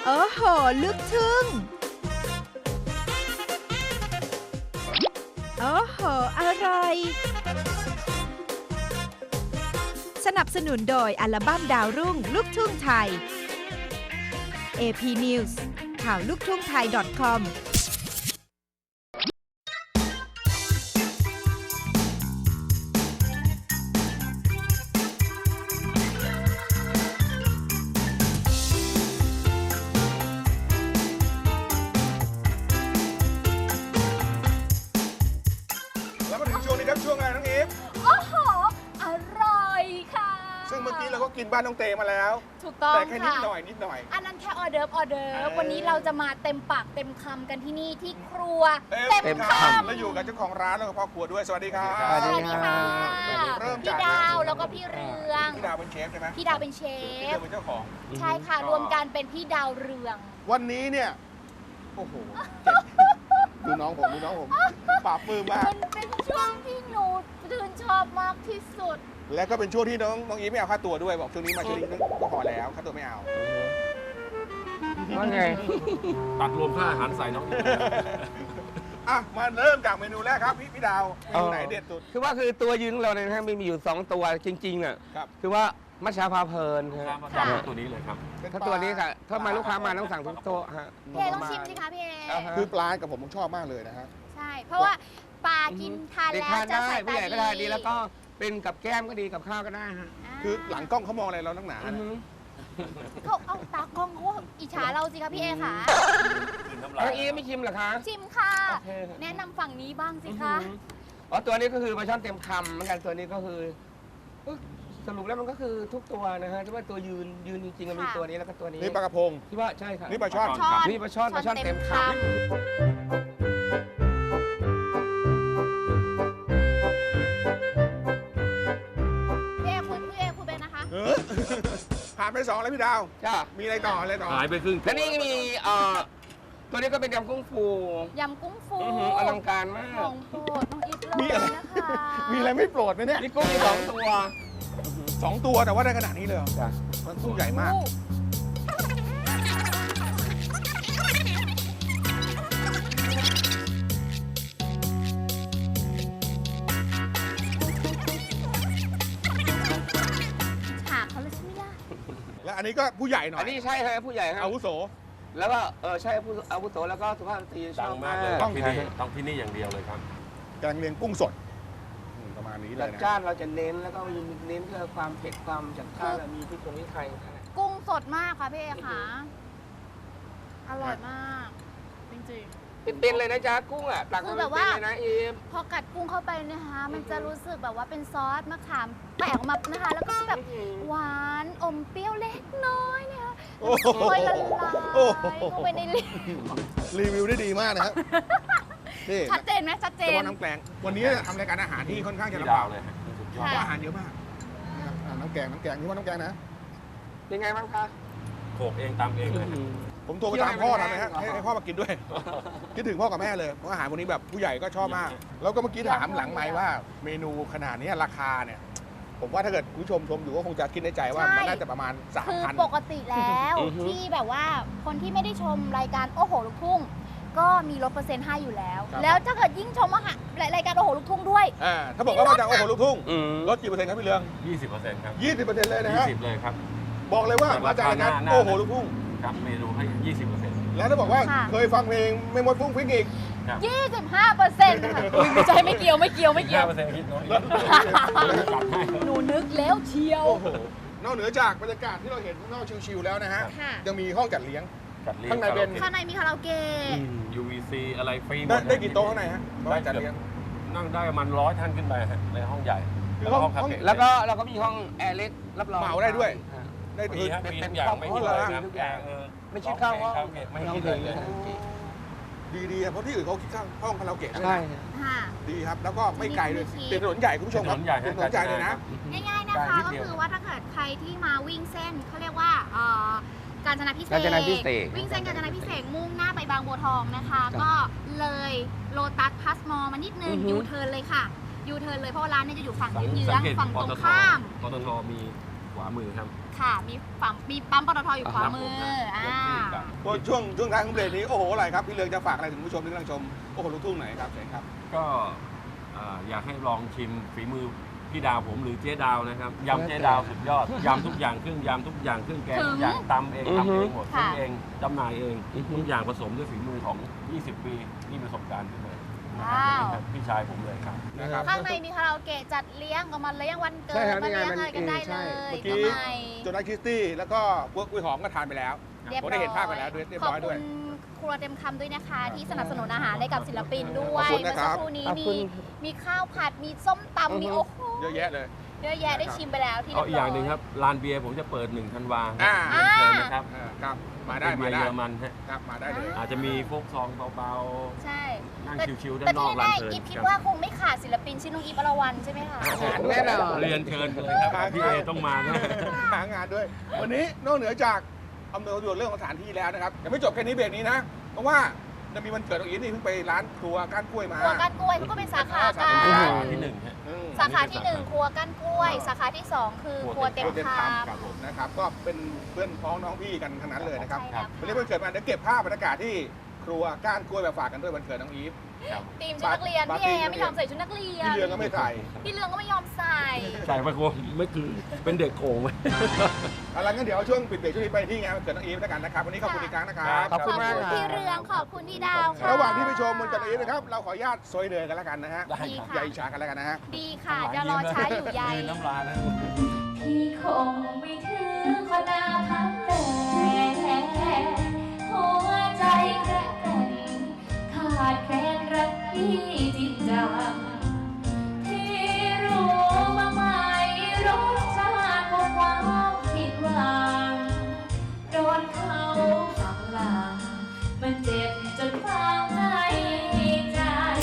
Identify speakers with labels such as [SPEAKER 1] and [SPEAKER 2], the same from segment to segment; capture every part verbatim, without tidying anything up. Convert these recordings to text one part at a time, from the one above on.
[SPEAKER 1] โอ้โหลึกทึ่งโอ้โหอร่อยสนับสนุนโดยอัลบั้มดาวรุ่งลูกทุ่งไทย เอ พี News ข่าวลูกทุ่งไทย .com
[SPEAKER 2] ช่วงไงน้องอีฟ
[SPEAKER 3] โอ้โหอร่อยค่ะ
[SPEAKER 2] ซึ่งเมื่อกี้เราก็กินบ้านน้องเตมาแล้ว
[SPEAKER 3] ถูกต้อง
[SPEAKER 2] แต่แค่นิดหน่อยนิดหน่อย
[SPEAKER 3] อันนั้นแค่ออเดิร์ฟออเดิร์ฟวันนี้เราจะมาเต็มปากเต็มคำกันที่นี่ที่ครัวเต็มคำ
[SPEAKER 2] แล้วอยู่กับเจ้าของร้านแล้วก็พ่อครัวด้วยสวัสดีครับ
[SPEAKER 3] สวัสดีค่ะ
[SPEAKER 2] เริ่ม
[SPEAKER 3] พี่ดาวแล้วก็พี่เรือง
[SPEAKER 2] พี่ดาวเป็นเชฟใช่ไหม
[SPEAKER 3] พี่ดาวเป็นเชฟ
[SPEAKER 2] พี่เรืองเป็นเจ้าของ
[SPEAKER 3] ใช่ค่ะรวมกันเป็นพี่ดาวเรือง
[SPEAKER 2] วันนี้เนี่ยโอ้โหดูน้องผมดูน้องผมปราบมือมาก
[SPEAKER 3] มันเป็นช่วงที่หนูชื่นชอบมากที่สุด
[SPEAKER 2] และก็เป็นช่วงที่น้องน้องอีฟไม่เอาค่าตัวด้วยบอกช่วงนี้มาช่วงนี้ก็พอแล้วค่าตัวไม่เอา
[SPEAKER 4] ว่าไง
[SPEAKER 5] ตัดรวมค่าอาหารใส่น้อง
[SPEAKER 2] อ่ะมาเริ่มจากเมนูแรกครับพี่พี่ดาวเมนูไหนเด็ดสุด
[SPEAKER 4] คือว่าคือตัวยืนของเราเนี่ยนะมีมีอยู่สองตัวจริงๆอ่ะคือว่ามัชชาพาเพลิน
[SPEAKER 5] ครับตัวนี้เลยครับ
[SPEAKER 4] ถ้าตัวนี้ค่ะถ้ามาลูกค้ามาต้องสั่งทุกโต๊ะฮะ
[SPEAKER 3] พี่เอต้องชิมสิคะพี่เอ
[SPEAKER 2] คือปลากับผมผมชอบมากเลยนะฮะ
[SPEAKER 3] ใช่เพราะว่าปลากินทานแล้วจะใส่
[SPEAKER 4] ผู้ใหญ่ก็ได้ดีแล้วก็เป็นกับแก้มก็ดีกับข้าวก็ได้ฮะ
[SPEAKER 2] คือหลังกล้องเขามองอะไรเราตั้งหนา
[SPEAKER 3] เขาเอาตากล้องเขาอิจฉาเราสิคะพี่เอค่ะ
[SPEAKER 4] น้องอีไม่ชิมเหรอคะ
[SPEAKER 3] ชิมค่ะแนะนำฝั่งนี้บ้างสิคะ
[SPEAKER 4] อ๋อตัวนี้ก็คือปลาช่อนเต็มคำเหมือนกันตัวนี้ก็คือสรุปแล้วมันก็คือทุกตัวนะฮะที่ว่าตัวยืนยืนจริงๆมีตัวนี้แล้วก็ตัวนี้
[SPEAKER 2] นี่ปลากระพง
[SPEAKER 4] ที่ว่าใช่ค่ะ
[SPEAKER 2] นี่ปลาช่อน
[SPEAKER 4] นี่ปลาช่อนปลาช่อนเต็มคำ
[SPEAKER 3] พี่เอคุณพี่เอคุณเป็นนะคะ
[SPEAKER 2] ผ่านไปสองแล้วพี่ดาว
[SPEAKER 4] จ้า
[SPEAKER 2] มีอะไรต่ออะไรต่อ
[SPEAKER 5] หายไปครึ่ง
[SPEAKER 4] แล้วนี่มีเอ่อตัวนี้ก็เป็นยำกุ้งฟู
[SPEAKER 3] ยำกุ้งฟู
[SPEAKER 4] อลังการมาก
[SPEAKER 3] ของโปรดน้องอีฟเลยนะคะ
[SPEAKER 2] มีอะไรไม่โปรดไหมเนี่ย
[SPEAKER 4] นี่กุ้งมีสองตัว
[SPEAKER 2] สองตัวแต่ว่าได้ขนาดนี้เลยมันตู้ใหญ่มาก
[SPEAKER 3] ฉากเขาเลยใช่ไหมล่ะ
[SPEAKER 2] และอันนี้ก็ผู้ใหญ่หน่อย
[SPEAKER 4] อันนี้ใช่ครับผู้ใหญ่ครับ
[SPEAKER 2] อาวุโส
[SPEAKER 4] แล้วก็เออใช่ผู้อาวุโสแล้วก็สุภาพสตรีชอบมากเลย
[SPEAKER 5] ต้องที่นี่ต้องที่นี่อย่างเดียวเลยครับ
[SPEAKER 2] แกงเลียงกุ้งสดประมาณนี้เลย
[SPEAKER 4] นะจ้านเราจะเน้นแล้วก็เน้นเพื่อความเผ็ดความจัดจ้านมีพริกผงพริกไทย
[SPEAKER 3] กุ้งสดมากค่ะพี่เอค่ะอร่อยมากจริงๆ
[SPEAKER 4] เป็นเลยนะจ๊ะกุ้งอ่ะตักคือแบบว่านะเอม
[SPEAKER 3] พอกัดกุ้งเข้าไปนะคะมันจะรู้สึกแบบว่าเป็นซอสมะขามแปะออกมานะคะแล้วก็แบบหวานอมเปรี้ยวเล็กน้อยเนี่ยค่อยละลายเข้าไปในลิ้น
[SPEAKER 2] รีวิวได้ดีมากนะครับ
[SPEAKER 3] นี่ชัดเจนไหมชัดเจน
[SPEAKER 2] น้ำแกงวันนี้ทำรายการอาหารที่ค่อนข้างจะลำบากเลยอาหารเยอะมากน้ำแกงน้ำแกงนี่ว่าน้ำแกงนะ
[SPEAKER 4] เป็นไงบ้างคะ
[SPEAKER 5] โขกเองตามเองเลย
[SPEAKER 2] ผมโทรไปตามพ่อทำนะฮะให้พ่อมากินด้วยคิดถึงพ่อกับแม่เลยเพราะอาหารวันนี้แบบผู้ใหญ่ก็ชอบมากแล้วก็เมื่อกี้ถามหลังไมค์ว่าเมนูขนาดนี้ราคาเนี่ยผมว่าถ้าเกิดผู้ชมชมอยู่ก็คงจะคิดในใจว่ามันน่าจะประมาณสามพัน
[SPEAKER 3] คือปกติแล้วที่แบบว่าคนที่ไม่ได้ชมรายการโอ้โหลูกทุ่งก็มีลดเปอร์เซ็นต์ให้อยู่แล้วแล้วถ้าเกิดยิ่งชมรายการโอ้โหลูกทุ่งด้วย
[SPEAKER 2] อ่าถ้าบอกว่ามาจากโอ้โหลูกทุ่งลดกี่เปอร์เซ็นต์ครับพี่เรือง
[SPEAKER 5] ยี่สิบเปอร์เซ็นต์ครับ
[SPEAKER 2] ยี่สิบเปอร์เซ็นต์เลยนะฮะ
[SPEAKER 5] ยี่สิบเลยครับ
[SPEAKER 2] บอกเลยว่ามาจากรายการโอ้โหลูกทุ่ง
[SPEAKER 5] ครับเมนูให้ยี่สิบเปอร์เซ็นต์
[SPEAKER 2] แล้วถ้าบอกว่าเคยฟังเพลงไม่หมดฟุ้งฟิ้งอีก
[SPEAKER 3] ยี่สิบห้าเปอร์เซ็นต์ค่ะไม่ใช่ไม่เกี่ยวไม่เกี่ยวไม่เกี่ยว
[SPEAKER 5] เปอร์เซ็นต์คิดน้อย
[SPEAKER 3] หนูนึกแล้วเชียวน
[SPEAKER 2] อกเหนือจากบรรยากาศที่เราเห็นข้างนอกชิลๆแล้วนะฮะยังมีห้องจัดเลี้ยงข้างในเป็น
[SPEAKER 3] ข้างในมีคาราโอเกะ
[SPEAKER 5] ยู วี ซี อะไรฟรีหมด
[SPEAKER 2] ได้กี่โต๊ะข้างในฮะได้จัดเลี้ยง
[SPEAKER 5] นั่งได้ประมาณร้อยท่านขึ้นไปฮะในห้องใหญ่
[SPEAKER 4] แล้วก็เราก็มีห้องแอร์เล็กรับรอง
[SPEAKER 2] เหมาได้ด้วยได้
[SPEAKER 5] มีครับมีทุกอย่างไม่มีเลยนะทุกอย่าง
[SPEAKER 4] ไม่คิดเข้าห้อง
[SPEAKER 5] ไม่คิดเลย
[SPEAKER 2] ดีดีเพราะที่อื่นเขาคิดข้างห้องคาราโอเกะ
[SPEAKER 4] ใช่
[SPEAKER 2] ดีครับแล้วก็ไม่ไกลเลยเป็นถนนใหญ่คุณผู้ชมครับเป็นถนนใหญ่เลยนะ
[SPEAKER 3] ง่ายๆนะคะก็คือว่าถ้าเกิดใครที่มาวิ่งเส้นเขาเรียกว่าเอ่อกาญจนาพิเศษวิ่งเส้นกาญจนาพิเศษมุ่งหน้าไปบางบัวทองนะคะก็เลยโลตัสพาสมอลมานิดนึงยูเทิร์นเลยค่ะยูเทิร์นเลยเพราะร้านนี้จะอยู่ฝั่งเยื้องฝั่งตรงข้าม
[SPEAKER 5] ปตทมีขวามือครับ
[SPEAKER 3] ค่ะ มีปั๊มมีปั๊มปตทอยู่ขวามือ
[SPEAKER 5] ครับผม
[SPEAKER 3] อ่า
[SPEAKER 5] ครับ
[SPEAKER 2] พวกช่วงช่วงท้ายของเบรกนี้โอ้โหอะไรครับพี่เลืองจะฝากอะไรถึงผู้ชมที่กำลังชมโอ้โหลูกทุ่งไหนครับเชิญครับ
[SPEAKER 5] ก็อ่าอยากให้ลองชิมฝีมือพี่ดาวผมหรือเจ๊ดาวนะครับยำเจ๊ดาวสุดยอดยำทุกอย่างเครื่องยำทุกอย่างเครื่องแกงทุกอย่างตำเองทำเองหมด
[SPEAKER 3] ค่ะ
[SPEAKER 5] ทำเองจำหน่ายเองทุกอย่างผสมด้วยฝีมือของ ยี่สิบ ปีนี่ประสบการณ์ขึ้นเลยนะครับพี่ชายผมเลยครับ
[SPEAKER 2] นะครับ
[SPEAKER 3] ข้างในมีคาราโอเกะจัดเลี้ยงก็มาเลี้ยงวันเกิ
[SPEAKER 4] ใช่
[SPEAKER 3] ด
[SPEAKER 4] ครับ
[SPEAKER 3] มาเลี้ยง
[SPEAKER 4] นี่ไง
[SPEAKER 3] อะไรกันได้
[SPEAKER 4] ใช่
[SPEAKER 3] เลย
[SPEAKER 2] เมื่อ
[SPEAKER 3] ก็
[SPEAKER 2] กี้
[SPEAKER 3] ไม่
[SPEAKER 2] โจนาคิสตี้แล้วก็พวกกุ้ยหอมก็ทานไปแล้ว
[SPEAKER 3] เรียบ
[SPEAKER 2] ผม
[SPEAKER 3] ร้อย
[SPEAKER 2] ได้เห็นภาพไปแล้วด้วยเรียบร้อยด้วย
[SPEAKER 3] ขอบคุณครัวเต็มคำด้วยนะคะ ที่สนับสนุนอาหารให้กับศิลปินด้วย
[SPEAKER 2] ขอบคุณ
[SPEAKER 3] เมื่
[SPEAKER 2] นะ
[SPEAKER 3] อ
[SPEAKER 2] ครั
[SPEAKER 3] สั
[SPEAKER 2] บ
[SPEAKER 3] กครู่นี้
[SPEAKER 4] ขอบ
[SPEAKER 3] มี
[SPEAKER 4] คุณ
[SPEAKER 3] มีข้าวผัดมีส้มตำมีโอ้โห
[SPEAKER 2] เยอะแยะเลย
[SPEAKER 3] เยอะแยะได้ชิมไปแล้วที่
[SPEAKER 5] เอาอีกอย่างหนึ่ง
[SPEAKER 3] เบ
[SPEAKER 5] ครับลานเบียร์ผมจะเปิดหนึ่งธันวาค
[SPEAKER 2] อ่า
[SPEAKER 5] รับเชิญนะครับ
[SPEAKER 2] เออครับมาได้
[SPEAKER 5] เป็นเบี
[SPEAKER 2] มาย
[SPEAKER 5] ร์
[SPEAKER 2] ได้
[SPEAKER 5] เยอรมันฮะ
[SPEAKER 2] ครับมาได้เลย
[SPEAKER 5] อาจจะมีโฟกซองเบา
[SPEAKER 3] ใช่
[SPEAKER 5] ๆนั่ง
[SPEAKER 3] แต่
[SPEAKER 5] ชิวๆด้า
[SPEAKER 3] แต่
[SPEAKER 5] นนอ
[SPEAKER 3] ที่
[SPEAKER 5] กลาน
[SPEAKER 3] แน่
[SPEAKER 5] เพลิน
[SPEAKER 3] ๆอีฟคิด
[SPEAKER 5] ครับ
[SPEAKER 3] ว่าคงไม่ขาดศิลปินชื่อน้องอีฟอรวรรณใช่ไหมคะ
[SPEAKER 4] แน่นอน
[SPEAKER 5] เรียนเชิญเลยครับพี่เอต้องมานะ
[SPEAKER 2] หางานด้วย วันนี้นอกเหนือจากอำนวยความสะดวกเรื่องของสถานที่แล้วนะครับยังไม่จบแค่นี้เบรกนี้นะเพราะว่าจะมีวันเกิดของอีฟนี่เพิ่งไปร้านครัวก้านกล้วยมา
[SPEAKER 3] ครัวก้านกล้วยเขาก็เป็นสาขา
[SPEAKER 2] สา
[SPEAKER 3] กั
[SPEAKER 2] ขา
[SPEAKER 3] น
[SPEAKER 5] ที่หนึ่งฮะ
[SPEAKER 2] อืม
[SPEAKER 3] สาขาที่หนึ่งครัวก้านกล้วย สาขาที่สองคือครัวเต็ม
[SPEAKER 2] เต็ม
[SPEAKER 3] ค
[SPEAKER 2] คำครับผมนะครับก็เป็นเพื่อนพ้องน้องพี่กันทั้งนั้นเลยนะครับ
[SPEAKER 3] ใช่แล้ว
[SPEAKER 2] วันนี้วันเกิดมาเดี๋ยวเก็บภาพบรรยากาศที่ครัวก้านกล้วยมาฝากกันด้วยวันเกิดน้องอีฟ
[SPEAKER 3] ทีมชุดนักเรียน
[SPEAKER 2] ปาร์
[SPEAKER 3] พี่
[SPEAKER 2] ตี้
[SPEAKER 3] เอไม่ยอมใส่ชุดนักเรียน
[SPEAKER 2] พี่เรืองก็ไม่ใส่
[SPEAKER 3] พี่เรืองก็ไม่ยอมใส่
[SPEAKER 5] ใส่ไปโกไม่คือเป็นเด็กโกงไหม
[SPEAKER 2] เอาละงั้นเดี๋ยวช่วงปิดเบรกช่วงนี้ไปที่งานวันเกิดน้องอีฟแล้วกันนะครับวันนี้ขอบคุณอีกครั้งนะครับ
[SPEAKER 4] ขอบคุณมาก
[SPEAKER 3] ขอบคุณพี่เรืองขอบคุณพี่ดาวค่ะ
[SPEAKER 2] ระหว่างที่ไปชมวันเกิดน้องอีฟนะครับเราขออนุญาตซอยเดือกันแล้วกันนะฮะ
[SPEAKER 5] ได้
[SPEAKER 3] ดี
[SPEAKER 5] ครับ
[SPEAKER 3] ค่ะ
[SPEAKER 2] อย่าอิจฉากันแล้วกันนะฮะ
[SPEAKER 3] ดีค่ะจะรอช้าอยู่ใย
[SPEAKER 5] ยืนน้ำลายแล้ว
[SPEAKER 6] พี่คงไม่ถึงคนหน้าพักแต่หัวใจแกระกันขาดแคลนรักที่จริงจังที่รู้มาไหมรสชาติของความผิดหวังโดนเขาหักหลังมันเจ็บจนฝังในใจ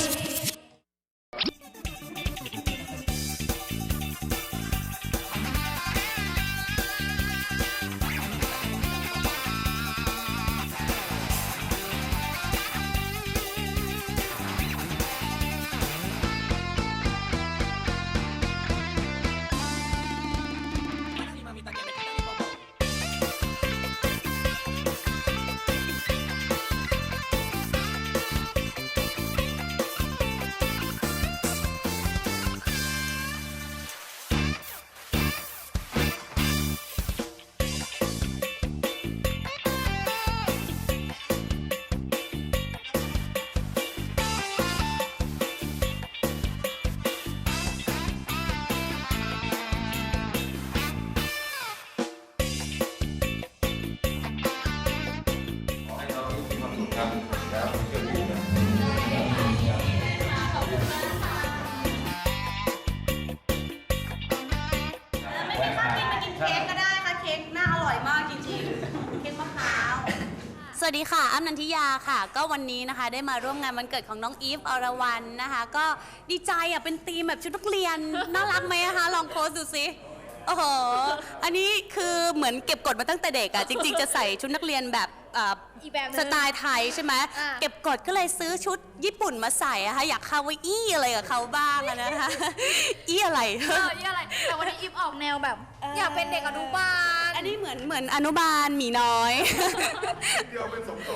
[SPEAKER 7] สวัสดีค่ะ อ้ำนันทิยาค่ะ ก็วันนี้นะคะได้มาร่วมงานวันเกิดของน้องอีฟอรวรรณนะคะ ก็ดีใจอ่ะเป็นธีมแบบชุดนักเรียน น่ารักไหมคะ ลองโพสดูสิโอ้โห อันนี้คือเหมือนเก็บกดมาตั้งแต่เด็กอะจริง ๆ จะใส่ชุดนักเรียนแบบเอ่อ
[SPEAKER 3] อีกแบบหนึ่ง
[SPEAKER 7] สไตล์ไทยใช่ไหม
[SPEAKER 3] อ่า
[SPEAKER 7] เก็บกดก็เลยซื้อชุดญี่ปุ่นมาใส่อะค่ะอยากคาวาอี้อะไรกับเขาบ้างอะนะคะ อี้อะไร
[SPEAKER 3] เออยี่อะไร แต่วันนี้อีฟออกแนวแบบ
[SPEAKER 7] เออ
[SPEAKER 3] อยากเป็นเด็กอนุบาล
[SPEAKER 7] อันนี้เหมือนเหมือนอนุบาลหมีน้อย
[SPEAKER 2] เดียวเป็นสมทรง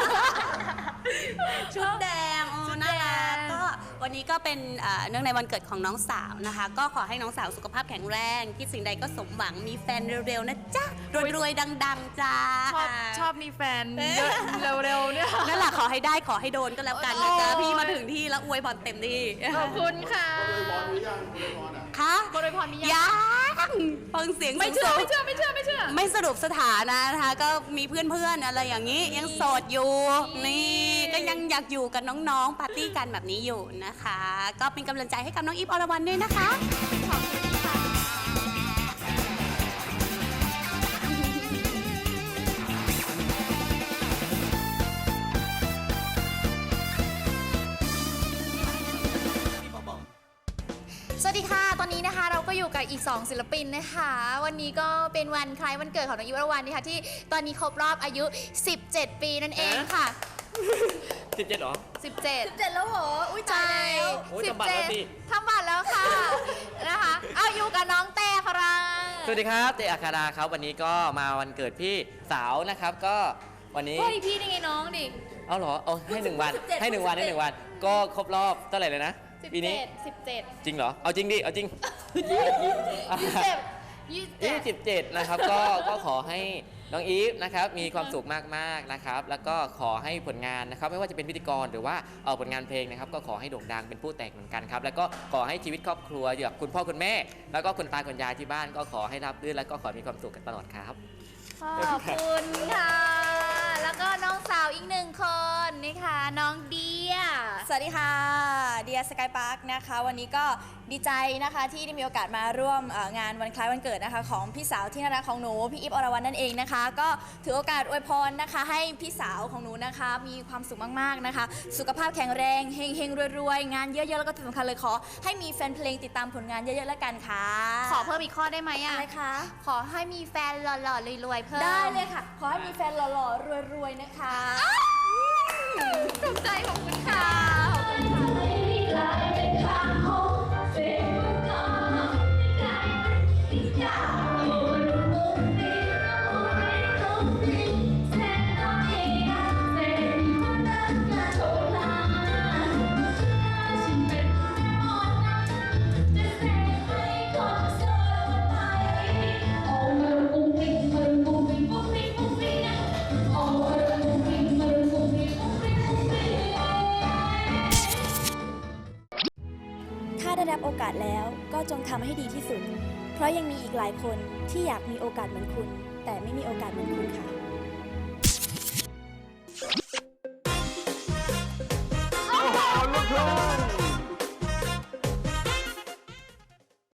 [SPEAKER 7] ชุดแดงโอ้
[SPEAKER 3] ชุดแดง
[SPEAKER 7] น่ารักก็วันนี้ก็เป็นเอ่อเนื่องในวันเกิดของน้องสาวนะคะ ก็ขอให้น้องสาวสุขภาพแข็งแรงคิดสิ่งใดก็สมหวังมีแฟนเร็วๆนะจ๊ะรวยๆดังๆจ้า
[SPEAKER 3] ชอบชอบมีแฟนเยอะเร็วๆเนี่ย
[SPEAKER 7] นั่นแหละขอให้ได้ขอให้โดนก็แล้วกันนะจ๊ะ
[SPEAKER 3] โอ้ย
[SPEAKER 7] พี่มาถึงที่แล้วอวยพรเต็มที่
[SPEAKER 3] ขอบคุณค่ะ
[SPEAKER 7] คะ
[SPEAKER 3] บริพรมียัง
[SPEAKER 7] ยังฟังเสียง
[SPEAKER 3] ไม่เชื่อ
[SPEAKER 7] สูงๆ
[SPEAKER 3] ไม่เชื่อไม่เชื่อไม่เชื่อ
[SPEAKER 7] ไม่สรุปสถานะนะคะ ก็มีเพื่อนๆอะไรอย่างนี้ยังโสดอยู่ นี่ก็ยังอยากอยู่กับน้องๆปาร์ตี้กันแบบนี้อยู่นะคะ ก็เป็นกำลังใจให้กับน้องอีฟอรวรรณด้วยนะคะ
[SPEAKER 3] ขอบคุณค่ะ สวัสดีค่ะ ตอนนี้นะคะเราก็อยู่กับอีก สอง ศิลปินนะคะ วันนี้ก็เป็นวันคล้ายวันเกิดของน้องอีฟวรวรรณนะคะที่ตอนนี้ครบรอบอายุ สิบเจ็ด ปีนั่นเองค่ะ
[SPEAKER 8] สิบเจ็ดเหรอ
[SPEAKER 3] สิบเจ็ด สิบเจ็ดแล้วเหรอ อุ้ยตายแล้ว
[SPEAKER 8] โอ้ยทำบัตรแล้วสิ
[SPEAKER 3] ทำบัตรแล้วค่ะ นะคะ เอาอยู่กับน้องแต่ครัง
[SPEAKER 8] สวัสดีครับเตอัคาราครับวันนี้ก็มาวันเกิดพี่สาวนะครับก็วันนี้
[SPEAKER 3] เฮ้ยพี่นี่ไงน้องดิ
[SPEAKER 8] เอาเหรอเอาให้หนึ่งวัน
[SPEAKER 3] สิบเจ็ด
[SPEAKER 8] ให้หนึ่งวันให้หนึ่งวัน ก็ครบรอบเท่าไหร่เลยนะ
[SPEAKER 3] สิบ
[SPEAKER 8] ปีนี้
[SPEAKER 3] เจ็ดสิบเจ็ด
[SPEAKER 8] จริงเหรอเอาจริงดิเอาจริง
[SPEAKER 3] ยี่สิบเจ็ดยี่สิบเจ็
[SPEAKER 8] ยี่
[SPEAKER 3] ด
[SPEAKER 8] สิบเจ็ดนะครับก็ก็ขอให้น้องอีฟนะครับมีความสุขมากๆนะครับแล้วก็ขอให้ผลงานนะครับไม่ว่าจะเป็นพิธีกรหรือว่าเอ่อผลงานเพลงนะครับก็ขอให้โด่งดังเป็นผู้แต่งเหมือนกันครับแล้วก็ขอให้ชีวิตครอบครัวอยู่กับคุณพ่อคุณแม่ แล้วก็คุณตาคุณยายที่บ้านก็ขอให้รับรื่นแล้วก็ขอมีความสุขกันตลอดครับ
[SPEAKER 3] ขอบคุณค่ะ แล้วก็น้องสาวอีกหนึ่งคนนะคะน้องเดีย
[SPEAKER 9] สวัสดีค่ะ เดียสกายพาร์คนะคะ วันนี้ก็ดีใจนะคะที่ได้มีโอกาสมาร่วมเอ่องานวันคล้ายวันเกิดนะคะของพี่สาวที่น่ารักของหนูพี่อีฟอรวรรณนั่นเองนะคะ ก็ถือโอกาสอวยพรนะคะให้พี่สาวของหนูนะคะ มีความสุขมากๆนะคะ สุขภาพแข็งแรงเฮงๆรวยๆงานเยอะๆแล้วก็ที่สำคัญเลยขอให้มีแฟนเพลงติดตามผลงานเยอะๆแล้วกันค่ะ
[SPEAKER 3] ขอเพิ่มอีกข้อได้ไหมอ่ะ
[SPEAKER 9] อะไรคะ
[SPEAKER 3] ขอให้มีแฟนหล่อๆรวยๆเพิ่ม
[SPEAKER 9] ได้เลยค่ะ ขอให้มีแฟนหล่อๆรวยๆนะคะ
[SPEAKER 3] ถูกใจขอบคุณค่ะขอบคุณค่ะ
[SPEAKER 9] ถ้าได้รับโอกาสแล้วก็จงทำให้ดีที่สุด เพราะยังมีอีกหลายคนที่อยากมีโอกาสเหมือนคุณ แต่ไม่มีโอกาสเหมือนคุณค่ะ